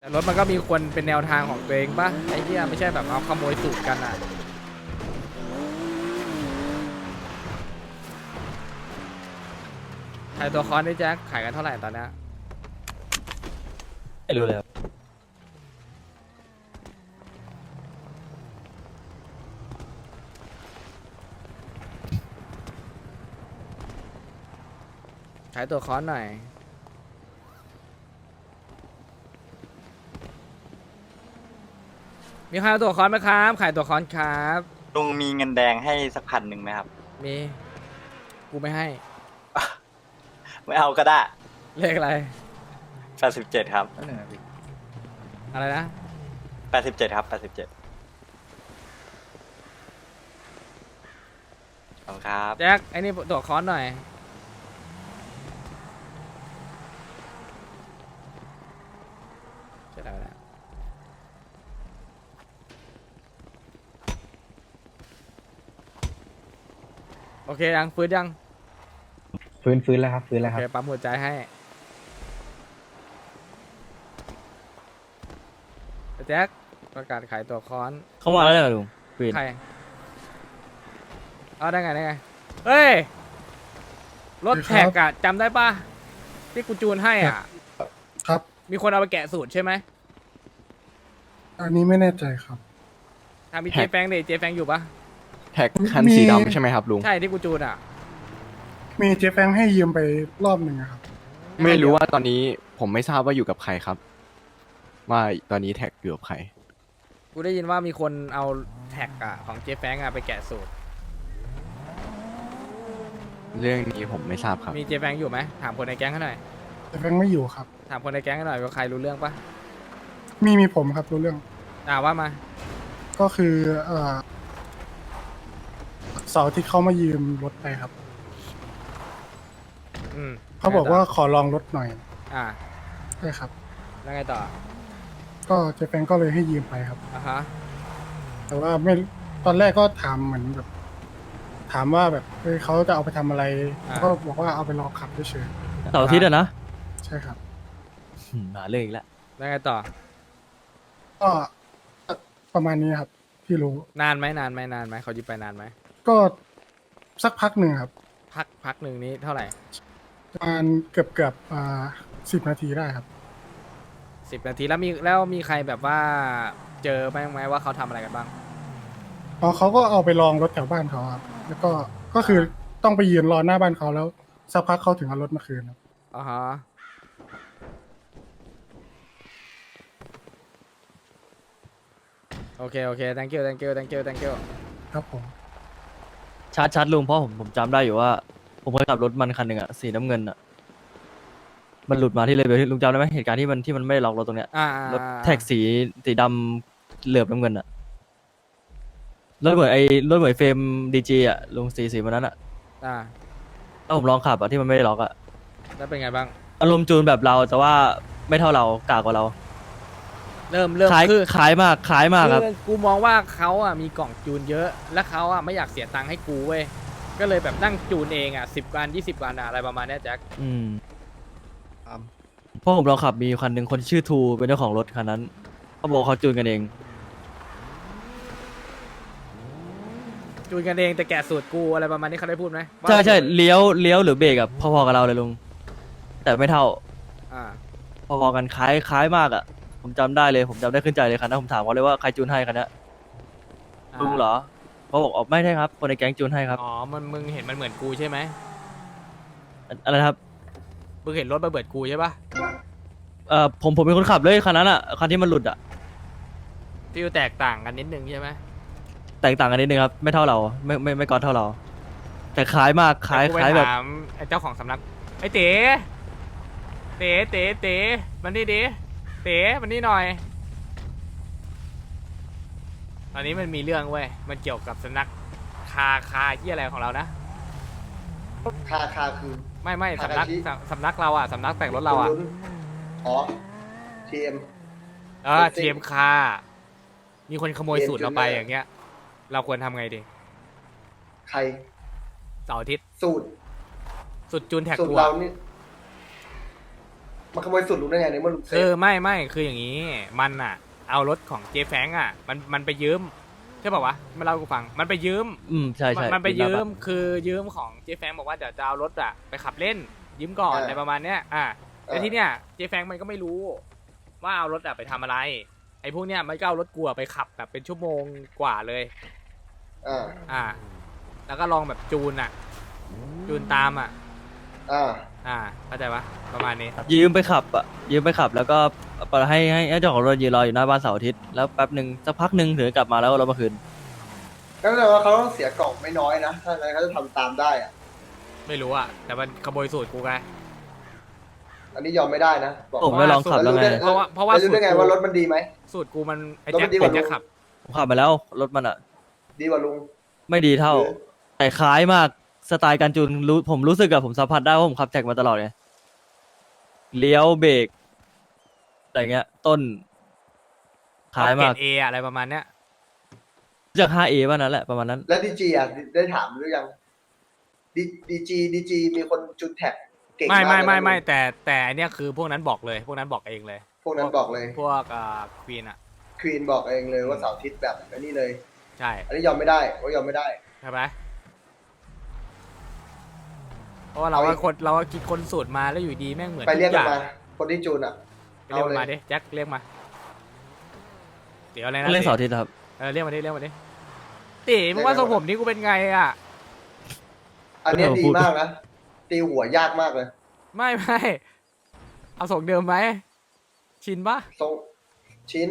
รถมันก็มีคนเป็นแนวทางของตัวเองปะไอ้เหี้ยไม่ใช่แบบเอาขโมยสูตรกันอ่ะขายตัวคอนได้แจ็คขายกันเท่าไหร่ตอนนี้ไม่รู้เลยครับขายตัวคอนหน่อยมีใครเอาตัวคอนไหมครับขายตัวคอนครับลุงมีเงินแดงให้สัก1,000ไหมครับมีกูไม่ให้ไม่เอาก็ได้เลขอะไร 87ครับอะไรนะ 87ครับ87ขอบคุณครับแจ็คไอ้นี่ตัวคอนหน่อยจะได้แล้วโอเคยังฟื้นยังฟื้นแล้วครับฟื้นโอแล้วครัเคบปั๊มหัวใจให้แจ็คประกาศขายตัวคอนเข้ามาแล้วเนี่ยลุงปืนใครเอาได้ไงได้ไงเฮ้ยรถแท็กอะจำได้ปะที่กูจูนให้อ่ะครับมีคนเอาไปแกะสูตรใช่ไหมอันนี้ไม่แน่ใจครับทำมีเจแฟงดิเจแฟงอยู่ปะแท็กคันสีดำใช่ไหมครับลุงใช่ที่กูจูนอ่ะมีเจแฟงให้ยืมไปรอบหนึ่งอะครับไม่รู้ว่าตอนนี้ผมไม่ทราบว่าอยู่กับใครครับ ว่าตอนนี้แท็กอยู่กับใครกูได้ยินว่ามีคนเอาแท็กอะของเจแฟงอะไปแกะสูตรเรื่องนี้ผมไม่ทราบครับมีเจแฟงอยู่ไหมถามคนในแก๊งเขาหน่อยเจแฟงไม่อยู่ครับถามคนในแก๊งเขาหน่อยว่าใครรู้เรื่องปะมีผมครับรู้เรื่องว่ามาก็คือเสาร์ที่เขามายืมรถไปครับอืมเขาบอกว่าขอลองรถหน่อยอ่าใช่ครับแล้วไงต่อก็เจแฟงก็เลยให้ยืมไปครับอ่ะฮะแต่ว่าไม่ตอนแรกก็ถามเหมือนแบบ ถามว่าแบบเฮ้ยเขาจะเอาไปทำอะไรก็บอกว่าเอาไปลองขับเฉยเสาร์อาทิตย์อะนะๆใช่ครับหาเรื่องอีกแล้วแล้วไงต่อก็ประมาณนี้ครับ ที่รู้นานไหมเขายึดไปนานไหมก็สักพักหนึ่งครับพักหนึ่งนี้เท่าไหร่ประมาณเกือบ10 นาทีได้ครับ 10 นาทีแล้วมีใครแบบว่าเจอบ้างไหมว่าเขาทำอะไรกันบ้างอ๋อเขาก็เอาไปลองรถแถวบ้านเขาครับ แล้วก็คือต้องไปยืนรอหน้าบ้านเขาแล้วสักพักเขาถึงเอารถมาคืนครับอ่าฮะโอเค thank you ครับผมชัดลุงเพราะผมจำได้อยู่ว่า ผมเคยขับรถมันคันหนึ่งอะสีน้ำเงินอะมันหลุดมาที่เลเวลที่ลุงจำได้ไหมเหตุการณ์ที่มันไม่ได้ล็อกรถตรงเนี้ย รถแท็กสีดำเหลือบน้ำเงินอะรถเหมือนรถเหมือนเฟรมดีจีอะลุงสีวันนั้นอะอ่าถ้าผมลองขับอะที่มันไม่ได้ล็อกอะแล้วเป็นไงบ้างอารมณ์จูนแบบเราแต่ว่าไม่เท่าเรากากกว่าเราเริ่มคล้ายคือคล้ายมากครับคือกูมองว่าเขาอ่ะมีกล่องจูนเยอะ และเขาอ่ะไม่อยากเสียตังค์ให้กูเว้ย ก็เลยแบบนั่งจูนเองอ่ะ10 วัน 20 วันอะอะไรประมาณเนี้ยแจ็คอืมเพราะผมลองขับมีคันหนึ่งคนชื่อทูเป็นเจ้าของรถคันนั้นเขาบอกเขาจูนกันเองจูนกันเองแต่แกะสูตรกูอะไรประมาณนี้เขาได้พูดไหมว่าใช่เลี้ยวหรือเบรกอะพอๆกับเราเลยลุงแต่ไม่เท่าอ่าพอๆกันคล้ายมากอะผมจำได้เลยผมจำได้ขึ้นใจเลยคันนั้นผมถามเขาเลยว่าใครจูนให้คันนี้ลุงเหรอเขาบอกอ๋อไม่ใช่ครับคนในแก๊งจูนให้ครับอ๋อมึงเห็นมันเหมือนกูใช่ไหมอะไรนะครับมึงเห็นรถมาเบิดกูใช่ปะผมเป็นคนขับเลยคันนั้นอะคันที่มันหลุดอะฟิลแตกต่างกันนิดนึงใช่ไหมแตกต่างกันนิดนึงครับไม่เท่าเราไม่ก่อนเท่าเรา แต่คล้ายมากคล้ายแต่กูไปแบบถามไอ้เจ้าของสำนักไอ้เต๋มันนี่ดิเต๋มันนี่หน่อย ตอนนี้มันมีเรื่องเว้ย มันเกี่ยวกับสำนักคาที่อะไรของเรานะคาคือไม่คากาสำนักชิสำนักเราอ่ะสำนักแต่งรถเราอ่ะอ๋อ TM ทีเอ็มคามีคนขโมยสูตรเราไปอย่างเงี้ย เราควรทำไงดีใครเสาร์อาทิตย์สูตรสุดจูนแท็กสูตรกูเราอะนี่มันขโมยสูตรลุงได้ไงในเมื่อลุงเซไม่คืออย่างนี้มันอ่ะ เอารถของเจแฟงอ่ะมันไปยืมใช่ป่าวะมาเล่าให้กูฟังมันไปยืมใช่ใช่มันไปยืมคือยืมของเจแฟงบอกว่าเดี๋ยวจะเอารถอ่ะไปขับเล่นยืมก่อนอะไรประมาณเนี้ยแต่ที่เนี้ยเจแฟงมันก็ไม่รู้ว่าเอารถอ่ะไปทำอะไรไอ้พวกเนี้ยมันก็เอารถกูอะไปขับแบบเป็นชั่วโมงกว่าเลยแล้วก็ลองแบบจูนตามเข้าใจปะประมาณนี้ยืมไปขับแล้วก็ให้เจ้าของรถยืนรออยู่หน้าบ้านเสาร์อาทิตย์แล้วแป๊บหนึ่งสักพักหนึ่งถึงกลับมาแล้วเรามาคืนก็แปลว่าเขาต้องเสียกล่องไม่น้อยนะถ้าอะไรเขาจะทำตามได้อะไม่รู้อ่ะแต่มันขโมยสูตรกูไงอันนี้ยอมไม่ได้นะบอกผมไม่ลองขับแล้วไงเพราะว่ารู้ได้ไงว่ารถมันดีไหมสูตรกูมันไอ้รถแจ็มัคนดีกว่าเป็นแจ็คขับผมขับมาแล้วรถมันอ่ะดีกว่าลุงไม่ดีเท่าหรือแต่คล้ายมากสไตล์การจูนผมรู้สึกอะผมสัมผัสได้ว่าผมขับแท็กมาตลอดไงเลี้ยวเบรกอะไรเงี้ย ต้นคล้ายมากเออะไรประมาณเนี้ยจาก 5A ว่านั้นแหละประมาณนั้นแล้วดีจีอ่ะได้ถามหรือยังดีจีมีคนจุดแท็กเก่งมากเลยนะไม่แต่อันเนี้ยคือพวกนั้นบอกเลยพวกนั้นบอกเองเลยพวกนั้นบอกเลยพวกควีนอ่ะควีนบอกเองเลยว่าเสาร์อาทิตย์แบบนี้เลยใช่อันนี้ยอมไม่ได้ว่ายอมไม่ได้ใช่ไหมเพราะว่าเราก็คิดคนสูตรมาแล้วอยู่ดีแม่งเหมือนไปเรียกทุมันอมา คนที่จูนอ่ะเรียกมันมาดิแจ็คเรียกมาเดี๋ยวอะไรนะเล่นเสาร์อาทิตย์ครับเรียกมาดิตีมึงว่าทรงผมนี่กูเป็นไงอ่ะอันเนี้ยดีมากนะตีหัวยากมากเลยไม่เอาทรงเดิมไหมชินปะทรงชิ้น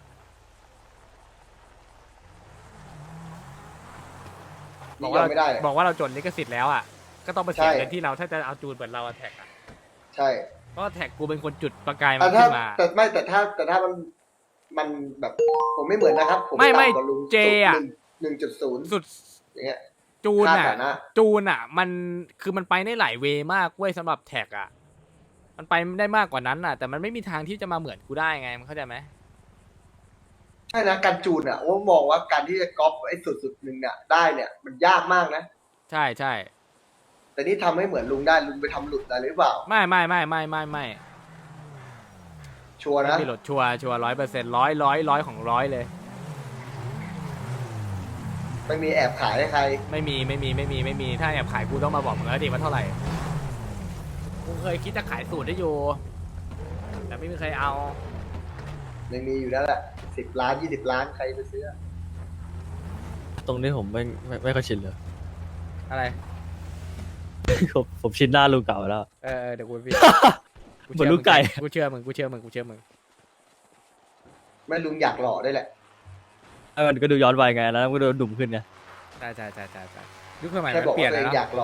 บอนี่กยว่าอมไม่ได้บอกว่าเราจนลิขสิทธิ์แล้วอ่ะก็ต้องไปเสียใช่เงินที่เราถ้าจะเอาจูนเหมือนเราแท็กอ่ะใช่เพราะว่าแท็กกูเป็นคนจุดประกายมันแต่ถ้าขึ้นมาแต่ถ้ามันแบบผมไม่เหมือนนะครับ ผมไม่ต่ำกว่าลุงเจอะ 1.0 สุดอย่างเงี้ยจูนค่าอ่ะฐานะจูนอ่ะ มันคือมันไปได้หลายเวย์มากเว้ยสำหรับแท็กอ่ะมันไปได้มากกว่านั้นอ่ะ แต่มันไม่มีทางที่จะมาเหมือนกูได้ไงมันเข้าใจไหมใช่นะการจูนอ่ะว่ามองว่าการที่จะก๊อปไอ้สุดหนึ่งเนี่ยได้เนี่ย มันยากมากนะใช่แต่นี่ทำให้เหมือนลุงได้ลุงไปทำหลุดอะไรหรือเปล่าไม่ชัวร์นะไม่หลดชัวร์100%ร้อยของร้อยเลยไม่มีแอบขายให้ใครไม่มีถ้าแอบขายกูต้องมาบอกมึงแล้วดิว่าเท่าไหร่กูเคยคิดจะขายสูตรได้อยู่แต่ไม่มีใครเอาไม่มีอยู่แล้วแหละ10 ล้าน20 ล้านใครไปซื้อตรงนี้ผมไม่ค่อยชินเลยอะไรผมชินหน้าลุงเก่าแล้วเดี๋ยวกูพี่เหมือนลูกไก่กูเชื่อมึงไม่ลุงอยากหล่อได้แหละมันก็ดูย้อนวัยไงแล้วมันก็ดูดุ่มขึ้นไงใช่ยุคสมัยแค่มันบอกเปลี่ยว่าน ตัวแล้วเองอเนาะยากหล่อ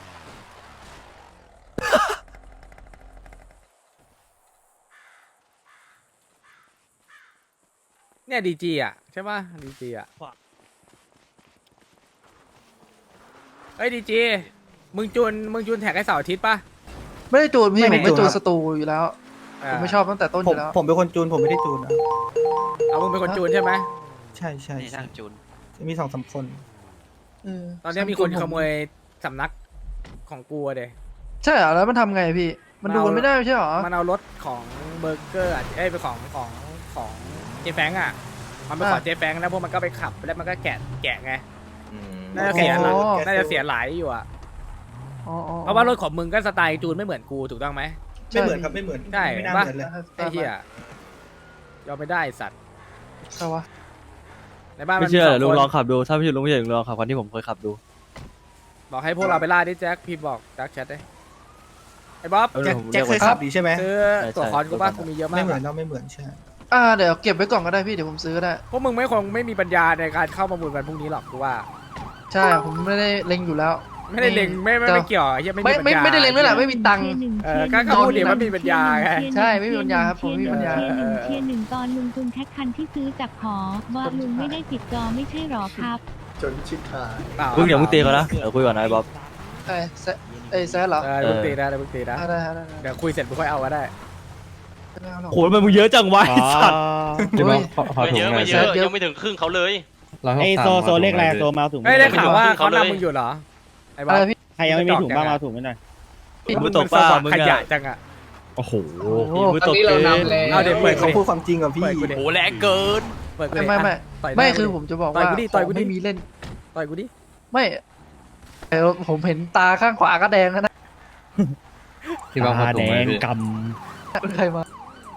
เนี่ยดีจีอ่ะใช่ป่ะดีจีอ่ะเฮ้ยดีจีมึงจูนแท็กให้เสาร์อาทิตย์ป่ะไม่ได้จูนพี่ไม่ผมได้ไม่จูจูนนสตูอยู่แล้ว ผมไม่ชอบตั้งแต่ต้นอผมยู่แล้วผมเป็นคนจูนผมไม่ได้จูนนะเอามึงเป็นคนจูนใช่ไหมใช่ใช่นี่ใช่ช่างจูนมี2-3 คนตอนนี้มีคนขโมยสำนักของกูอะเดยใช่เหรอแล้วมันทำไงพี่ มันดูกันไม่ได้ไม่ใช่เหรอมันเอารถของเบอร์เกอร์ไปของเจแฟงอ่ะมันไปขออ่ะเจแฟงแล้วพวกมันก็ไปขับแล้วมันก็แกะไงอืมน่าจะเสียหลายอ๋อน่าจะเสียหลายอยู่อ่ะอ๋ออ๋อเพราะว่ารถของมึงก็สไตล์จูนไม่เหมือนกูถูกต้องไหมไม่เหมือนครับไม่เหมือนใช่ไม่น่าปะเหมือนเลยไอ้เหี้ยยอมไม่ได้สัตว์ใช่วะในบ้านไม่มันเชื่อสเดี๋ยวลุงคนลองขับดูถ้าไม่เชื่อลุงไม่เชื่อลุงลองขับคันที่ผมเคยขับดูบอกให้พวกเราไปล่าดิแจ็คพี่บอกดักแชทได้ไอ้บ๊อบเอาแจ็คผมแจ็คเคยเรียกว่าขับดีใช่ไหมซื้อใช่ตัวคอนกูป่ะใช่กูมีเยอะมาไม่กเหมือนอะเราไม่เหมือนใช่เดี๋ยวเก็บไว้ก่อนก็ได้พี่เดี๋ยวผมซื้อก็ได้พวกมึงไม่มีปัญญาในการเข้าประมูลวันพรุ่งนี้หรอกกูว่าใช่ผมไม่ได้เล็งอยู่แล้วไม่ได้เล็งไม่เกี่ยวไอ้เหี้ยไม่มีปัญญาไม่ได้เล็งด้วยแหละไม่มีตังค์ก็พูดดิว่ามีปัญญาไงใช่ไม่มีปัญญาครับผมไม่มีปัญญาเทียร์หนึ่งตอนลุงคุณแท็กคันที่ซื้อจากหอว่าลุงไม่ได้ติดจอไม่ใช่หรอครับจนชิดหายลุงอย่ามึงตีเขานะเดี๋ยวคุยก่อนนะไอ้บ๊อบแซดเหรอเดี๋ยวมึงตีนะเดี๋ยวมึงตีนะได้เดี๋ยวคุยเสร็จมึงค่อยเอาก็ได้โหมันมึงเยอะจังวะไอ้สัตว์โอ้ยไม่เยอะยังไม่ถึงครึ่งเขาเลยไอโซเลขแรกโซมาถุงเฮ้ยได้ข่าวว่าเขานำมึงอยู่เหรอไอ้บ๊อบอะไรพี่ใครยังไม่มีถุงบ้างมาถุงไม่หน่อยมึงตกปลามึงขยะอะจังอะโอ้โหมือตกเกินเอาเดี๋ยวเปิดเขาพูดความจริงกับพี่เปิดกูดิโหแรงเกินเปิดกูดิไม่อ่ะต่อยหน้าไม่กูคือดิผมจะบอกต่อยว่ากูดิต่อยกูดิไม่มีเล่นต่อยกูดิไม่ผมเห็นตาข้างขวาก็แดงแล้วนะที่ว่าพอตาตรแดงไหมงพี่กเป็นใครมา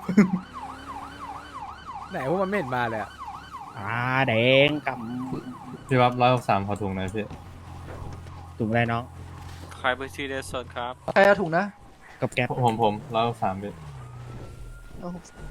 ไหนพวกมันไม่เห็นมาเลยอะำตาแดงกพี่ว่า163พอถุงหน่อยพี่ำถุงอะไรน้องใครไปซีเดสดครับใครเอาถุงนะกับแก๊ปผม163พี่เอา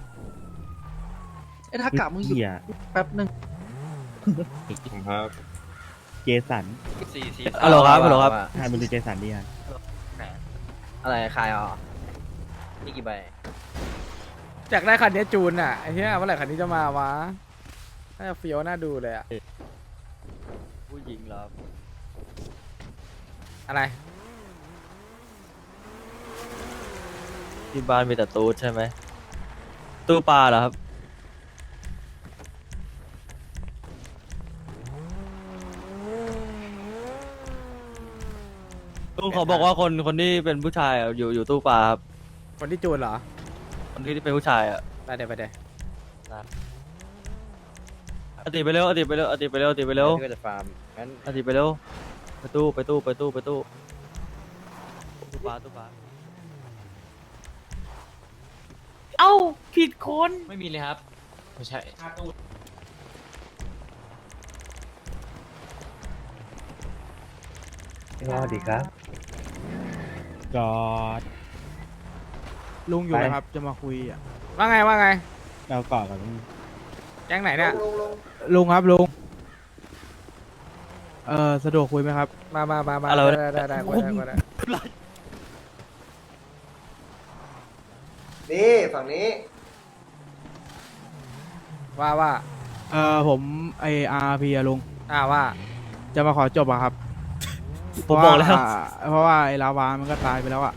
ไอ้ถ้ากลับมึงหยุดเหี้ยแป๊บนึงผมครับเจสันฮัลโหลครับฮัลโหลครับให้มันดูเจสันดิฮะอะไรใครอ่ะนี่กี่ใบอยากได้คันนี้จูนอ่ะไอ้เหี้ยเมื่อไหร่คันนี้จะมาวะน่าจะเฟี้ยวน่าดูเลยอะผู้หญิงเหรออะไรที่บ้านมีแต่ตู้ใช่ไหมตู้ปลาเหรอครับลุงเขาบอกว่าคนที่เป็นผู้ชายอะอยู่ตู้ปลาครับคนที่จูนเหรอคนที่เป็นผู้ชายอ่ะไปเดี๋ยวไปเดี๋ยวอติไปเร็วอติไปเร็วอติไปเร็วอติไปเร็วก็จะฟาร์มงั้นอติไปเร็วไปตู้ตู้ปลาเอ้าผิดคนไม่มีเลยครับไม่ใช่สวัสดีครับกอดลุงอยู่นะครับ จะมาคุยอ่ะว่าไงว่าไงเรากอดกับลุงแก๊งไหนเนี่ยลุงครับลุง สะดวกคุยไหมครับมาอะไรวะได้คุยได้นี่ฝั่งนี้ว่าผมไออาร์พีลุงว่าจะมาขอจบอะครับผมบอกแล้วเพราะว่าไอลาวามันก็ตายไปแล้วอะ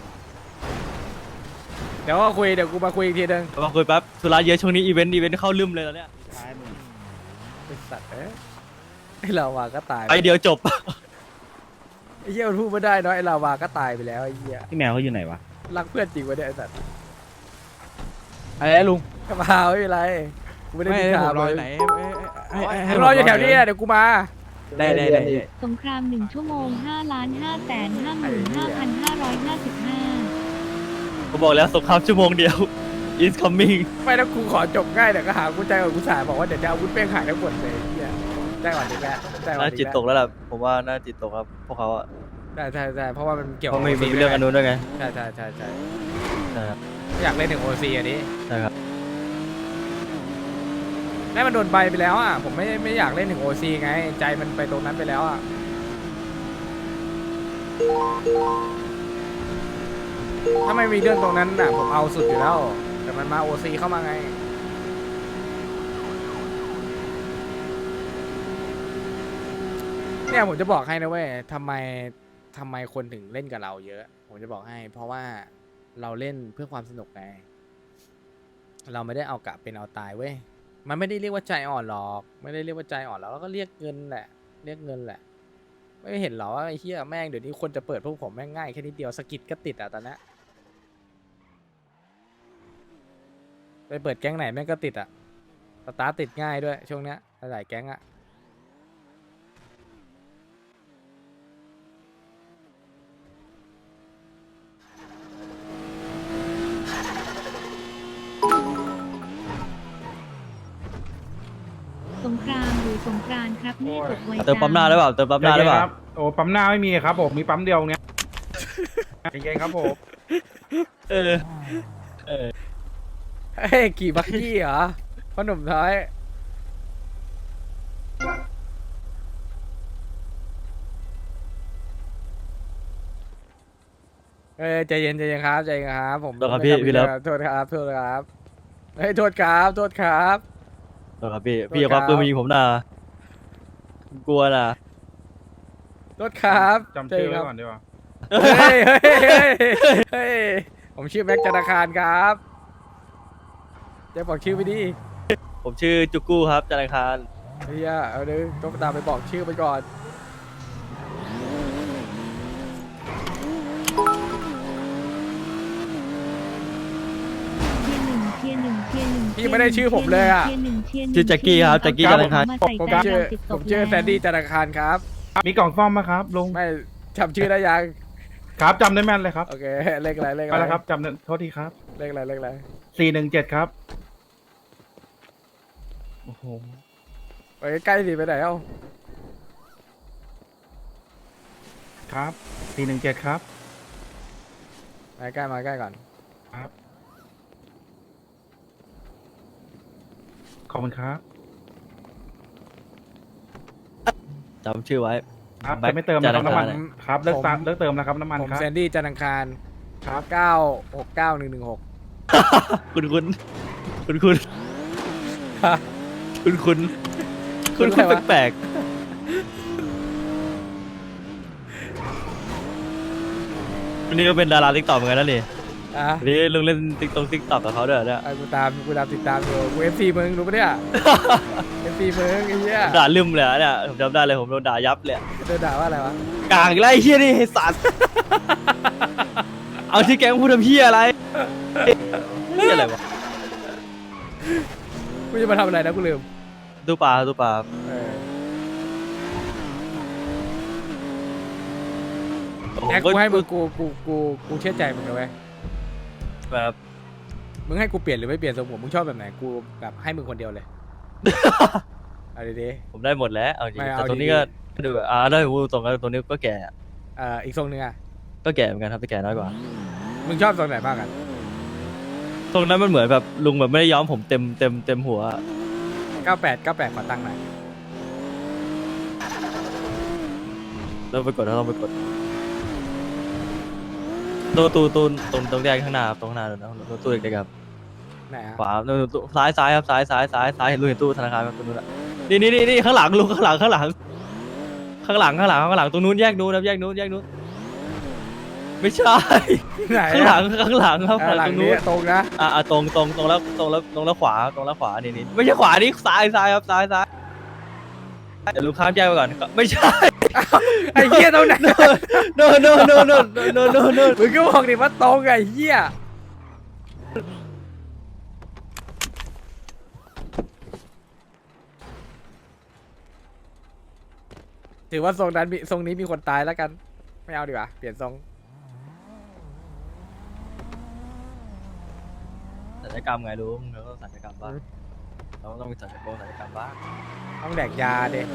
เดี๋ยวก็คุยเดี๋ยวกูมาคุยอีกทีนึงมาคุยแป๊บธุระเยอะช่วงนี้อีเวนต์เข้าลืมเลยแล้วเนี่ยซ้ายมือไอ้สัตว์ไอ้ลาวาก็ตายไปเดียวจบไอ้เหี้ยมันพูดไม่ได้เนาะไอ้ลาวาก็ตายไปแล้วไอ้เหี้ยพี่แมวเขาอยู่ไหนวะรักเพื่อนจริงวะเนี่ยไอ้สัตว์อะไรลุงกระเพราไม่เป็นไรกูไม่ได้ไม่มีให้ผข่าวมรอเลอย ยู่ไหนให้กูรออยู่แถวนี้อะเดี๋ยวกูมาได้สงคราม1 ชั่วโมง 5,555,555 ผมบอกแล้วสงครามชั่วโมงเดียว is coming ไม่แล้วกูขอจบง่ายเดี๋ยวก็หากูใจกับกูสายบอกว่าเดี๋ยวจะเอาอาวุธเป้งหายทั้งหมดเลยไอ้เหี้ยใจก่อนดีแล้วใจก่อนน่าดีจิตตกแล้วล่ะผมว่าน่าจิตตกครับพวกเขาอะใช่เพราะว่ามันเกี่ยวเพกับราะไม่มี OC เรื่องอันนู้นด้วยไงใช่ใช่ครับอยากเล่นถึงโอซีอันนี้ใช่ครับแม่มันโดนใบไปแล้วอ่ะผมไม่อยากเล่นถึงโอซีไง ใจมันไปตรงนั้นไปแล้วอ่ะถ้าไม่มีเรื่องตรงนั้นน่ะผมเอาสุดอยู่แล้ว แต่มันมาโอซีเข้ามาไง เนี่ยผมจะบอกให้นะเว้ยทำไมคนถึงเล่นกับเราเยอะ ผมจะบอกให้ เพราะว่าเราเล่นเพื่อความสนุกไงเราไม่ได้เอากะเป็นเอาตายเว้ยมันไม่ได้เรียกว่าใจอ่อนหรอกไม่ได้เรียกว่าใจอ่อนแล้วก็เรียกเงินแหละเรียกเงินแหละไม่เห็นหรอว่าไอ้เหี้ยแม่งเดี๋ยวนี้คนจะเปิดพวกผมแม่งง่ายแค่นิดเดียวสกิดก็ติดอ่ะตอนนี้ไปเปิดแก๊งไหนแม่งก็ติดอ่ะสตาร์ทติดง่ายด้วยช่วงเนี้ยหลายแก๊งอ่ะสงครามหรือสงกรานต์ครับแม่กดไว้เติมปั๊มหน้าได้เปล่าเติมปั๊มหน้าได้เปล่าโอ้ปั๊มหน้าไม่มีครับผมมีปั๊มเดียวเนี้ยเก่งครับผมเออเฮ้ยขี่บักกี้เหรอพ่อหนุ่มท้ายใจเย็นครับใจเย็นครับผมโทษครับพี่เลิฟโทษครับเฮ้ยโทษครับโทษครับพี่อย่าคว้าปืนมายิงผมนะกลัวนะโทษครับจำชื่อไว้ก่อนดีกว่าเฮ้ยผมชื่อแม็กธนาคารครับจะบอกชื่อไปดิผมชื่อจุกกู้ครับธนาคารเฮียเอาดิต้องตามไปบอกชื่อไปก่อนพี่ไม่ได้ชื่อผมเลยอะชื่อแจ็คกี้ครับแจ็คกี้จันทร์อังคารผมชื่อแซนดี้จันทร์อังคารครับมีกล่องซ่อมไหมครับลุงไม่จำชื่อได้ยังครับจำได้แม่นเลยครับโอเคเลขอะไรเลขไปอะไรแล้วครับจำได้โทษทีครับเลขอะไรเลขอะไร 417ครับโอ้โหไปใกล้ๆสิไปไหนเอ้าครับ417ครับมาใกล้มาใกล้ก่อนครับ ขอบคุณครับจำชื่อไว้ครับแบ็คจะไม่เติมนะครับจันทร์อังน้ำมัคารนครับเลิกเติมนะครับน้ำมันผมครับแซนดี้จันทร์อังคารครับ 969116 คุณคุณคุณคุณฮะคุณคุณคุณคุณอะไรวะแปลกๆวันนี้ก็เป็นดาราติ๊กต็อกเหมือนกันนะนี่อ่ะวันนี้ลุงเล่นติ๊กต็อกกับเขาด้วยเหรอเนี่ยไอ้กูตามติดตามอยู่กู FC มึงรู้ปะเนี่ย FC มึงไอ้เหี้ยด่าลืมเลยอะเนี่ยผมจำได้เลยผมโดนด่ายับเลยอะโดนด่าว่าอะไรวะกลางอีกแล้วไอ้เฮียนี่ไอ้สัตว์ เอาที่แกงพูดทำเฮียอะไรเฮียอะไรวะกูจะมาทำอะไรนะกูลืมตู้ปลาตู้ปลาเออผมแจ็คกูให้มึงกูเชื่อใจมึงนะเว้ยแบบมึงให้กูเปลี่ยนหรือไม่เปลี่ยนทรงผมมึงชอบแบบไหนกูแบบให้มึงคนเดียวเลย เอาดีผมได้หมดแล้วเอาจริงไม่เอาแต่ตรงนี้ดีก็ดูแบบได้หูตรงกันตรงนี้ก็แก่อะๆอีกทรงนึงอ่ะก็แก่เหมือนกันครับแต่แก่น้อยกว่ามึงชอบทรงไหนบ้างกันตรงนั้นมันเหมือนแบบลุงแบบไม่ได้ย้อมผมเต็มหัวอะ 98ขอตังค์หน่อยเราไปกดเราไปกดตู้ตรงแดงข้างหน้าครับตรงข้างหน้าเลยนะตู้เด็กๆครับไหนอ่ะขวาตู้ซ้ายครับซ้ายเห็นลุงเห็นตู้ธนาคารครับตรงนู้นอะนี่ข้างหลังลุงข้างหลังตรงนู้นแยกนู้นครับแยกนู้นไม่ใช่ไหนข้างหลังครับหลังตรงนู้นี้นตรงนะตรงแล้วขวานี่ไม่ใช่ขวานี่ซ้ายครับซ้ายเดี๋ยวลุงข้ามแยกไปก่อนไม่ใช่ไอ้เหี้ยตรงไหน no มึงก็บอกดิว่าตรงไอ้เหี้ยถือว่าทรงนี้มีคนตายแล้วกัน ไม่เอาดีกว่าเปลี่ยนทรงศัลยกรรมไงลุงเราต้องศัลยกรรมบ้างเราต้องมีศัลยกรรมบ้างต้องแดกยาเด็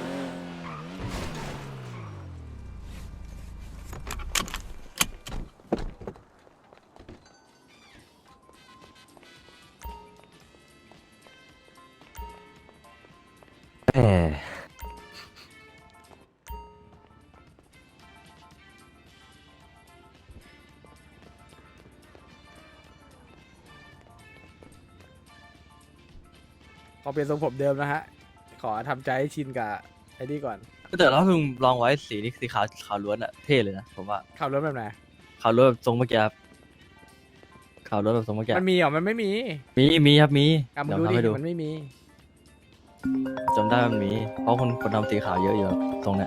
พอเปลี่ยนทรงผมเดิมนะฮะ ขอทำใจให้ชินกับไอ้นี่ก่อนแต่ถ้าลุงลองไว้สีนี้สีขาวล้วนอะเท่เลยนะผมว่าขับรถแบบไหนขาวล้วนแบบทรงเมื่อกี้ครับขาวล้วนแบบทรงเมื่อกี้มันมีเหรอ มันไม่มีมีครับมีอ่ะมึงเดี๋ยวดูทำให้ดิดูมันไม่มีจำได้มันมีเพราะคนทำสีขาวเยอะอยู่ครับตรงเนี้ย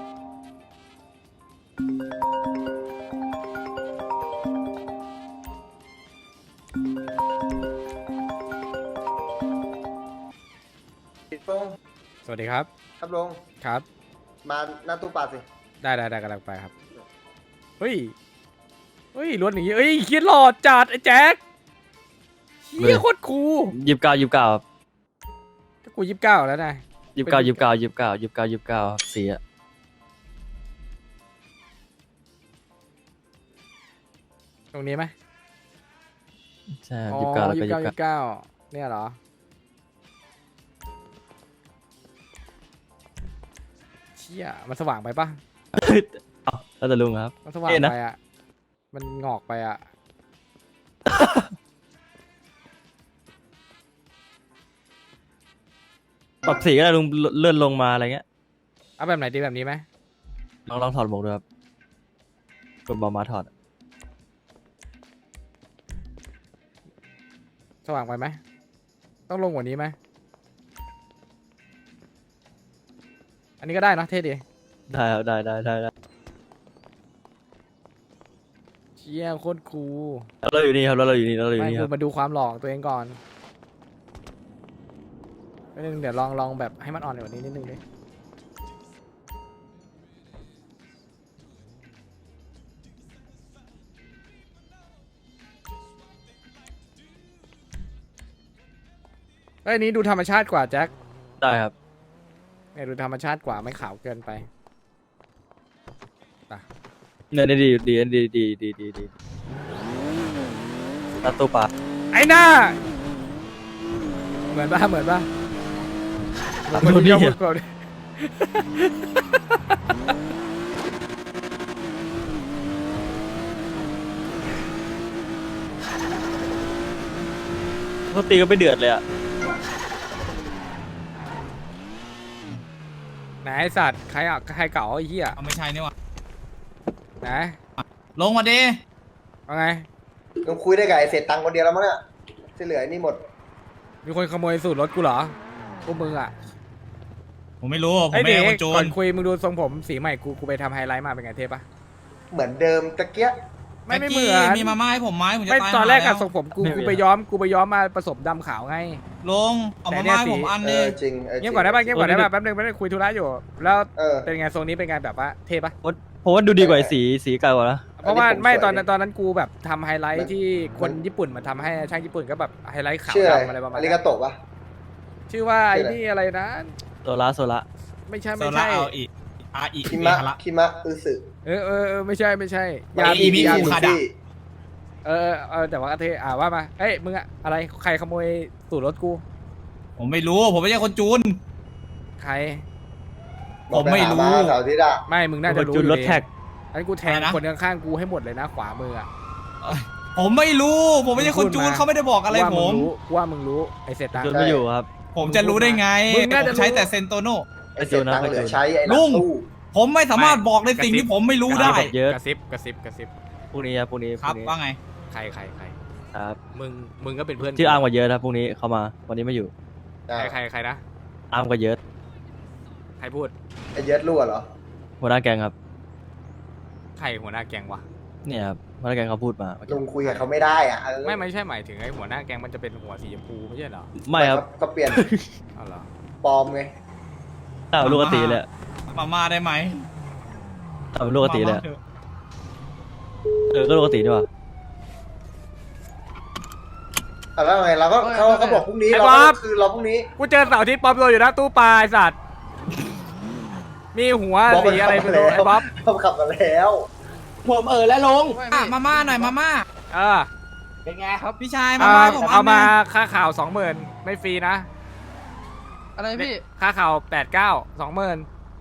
สวัสดีครับครับลุงครับมาหน้าตู้ปลาสิได้กำลังไปครับ เฮ้ยรถอย่างงี้เฮ้ยเฮียหล่อจัดไอ้แจ็คเฮียโคตรคูล 29ครับก็กู29แล้วนะ 29ครับสีอะตรงนี้ไหมใช่อ๋อ 29แล้วก็ 29เนี่ยเหรอ เชี่ยมันสว่างไปปะ 29แล้วแต่ลุงครับมันสว่างเอ๊ะนะไปอ่ะ มันงอกไปอ่ะปรับสีก็ได้ลุงเลื่อนลงมาอะไรเงี้ยเอาแบบไหนดีแบบนี้ไหมลองถอดหมวกดูครับกดบอลมาถอดสว่างไปไหม ต้องลงกว่านี้ไหม อันนี้ก็ได้นะเท่ดีได้ครับได้เชี่ยโคตรคูลแล้วเราอยู่นี่ครับแล้วเราอยู่นี่ไม่คกูรับมาดูความหล่อของตัวเองก่อนนิดนึงเดี๋ยวลองแบบให้มันอ่อนกว่านี้นิดนึงดิเอ้ยนี้ดูธรรมชาติกว่าแจ็คได้ครับเนี่ยดูธรรมชาติกว่าไม่ขาวเกินไปเนี่ยดีตัดตู้ปลาไอ้หน้าเหมือนป่ะคนนี้พูดก่อนดิเขาตีก็ไม่เดือดเลยอ่ะไหนไอ้สัตว์ใครเก่าไอ้เหี้ยเอาไม่ใช่นี่หว่าไหนลงมาดิเอาไงมึงคุยได้กับไอ้เศษตังค์คนเดียวแล้วมั้งเนี่ยที่เหลือไอ้นี่หมดมีคนขโมยสูตรรถกูเหรอพวกมึงอ่ะผมไม่รู้ ผมไอ้ไม่เด็ใช่กคนโจก่อรนคุยมึงดูทรงผมสีใหม่กูไปทำไฮไลท์มาเป็นไงเทปปะเหมือนเดิมตะเกียะไม่เหมือนมีมาม่าให้ผมไหมผมจะไม่ตายตอนแรกหาอะล้วทรงผมกูไปย้อมมาผสมดำขาวไงลงเอามาม่าให้ผมอันเอนึอง จริงเงียบก่อนได้ป่ะเงียบก่อนได้ป่ะแป๊บนึงคุยธุระอยู่ แล้วเออเป็นไงทรงนี้เป็นไงแบบว่าเทปะผมว่าดูดีกว่าไอ้สีเก่ากว่านะเพราะว่าอันนี้ผมไม่สวยตอนดินั้นกูแบบทำไฮไลมัท์นที่คนมันญี่ปุ่นมาทำให้ช่างญี่ปุ่นก็แบบไฮไลท์ขาวชื่ออะไรดำอะไรประมาณอารินั้กาน โตะปะชื่อว่าชื่ไอ้ออะไรนี่อะไรนะโซละไม่ใช่โซไม่ล่าใช่เอาอีกอีคิเมมะฮาระคิมะอึสึเออไม่ใช่ยาอีบีมิยาคุบีคาดะเออแต่ว่าเทว่ามาเอ้ยมึงอะอะไรใครขโมยสูตรรถกูผมไม่รู้ ผมไม่ใช่คนจูนใครผมไม่รู้บอกปหาาเสาร์อาทิตย์อะไม่มึงน่าจะรู้จุดอยู่รถดีแท็กอันนกูแทงอะไรนะคนข้างๆกูให้หมดเลยนะขวามืออะผมไม่รู้ ผมไม่ใช่คนจูนเขาไม่ได้บอกอะไรว่าผมว่ามึงรู้ไอเสร็จตังจุดค์ไม่อยู่ครับผมจะรู้ได้ไงมึงน่าผจะมใช้รู้แต่เซนโตโนไอ้เศษตังค์เหลือใช้ไอ้หลุลังงตู้ผมไม่สามารถบอกในสิ่งที่ผมไม่รู้ได้เยอะกระซิบพรุ่งนี้ครับพรุ่งนี้ครับว่าไงใครครับมึงก็เป็นเพื่อนชื่ออาร์มกว่าเยอะครับพรุ่งนี้เขามาวันนี้ไม่อยู่ใครนะอาร์มกว่าเยอะใครพูดไอ้เย็ดรั่วเหรอหัวหน้าแกงครับใครหัวหน้าแก๊งวะเนี่ยครับหัวหน้าแกงเขาพูดมาลุงคุยกับเขาไม่ได้อ่ะเออไม่ใช่หมายถึงไอหัวหน้าแก๊งมันจะเป็นหัวสีชมพูไม่ใช่เหรอไม่ครับก็เปลี่ยนเอาเหรอปลอมไงต่างลูกกติเลยมาม่าได้ไหมต่างลูกกติเลยมาม่าถอะก็ลูกกติดีกว่าแล้วไงเราก็เขาบอกพรุ่งนี้ไอ้เราบ๊อบก็คือเราพรุ่งนี้กูเจอเสาร์อาที่ปลอมตัวอยู่หน้าตู้ปลาไอสัตว์มีหัวบ๊อบสีอะไรไม่รู้ไอ้บ๊อบเขาขับมาแล้วผมแล้วลงมาม่าหน่อยมาม่าเออเป็นไงครับพี่ชายมาม่าผมเอามาอันหนึ่งค่าข่าว 20,000ไม่ฟรีนะอะไรพี่ค่าข่าว89 20,000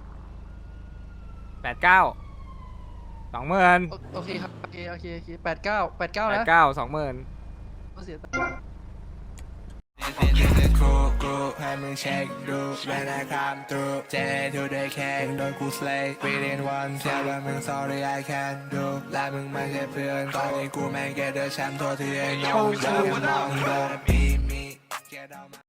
89 20,000 โอเคครับ โอเค89นะ 89 20,000 เสียให้มึงเช็คดูเวลาคำตูเจทูได้แค่โดนกูสเลย์ within one แค่ว่ามึง sorry I can't do และมึงไม่ใช่เพื่อนตอนนี้กูแม่งแกเดอร์แชมป์ตัวที่ไอ้น้องเดินมองโดนมี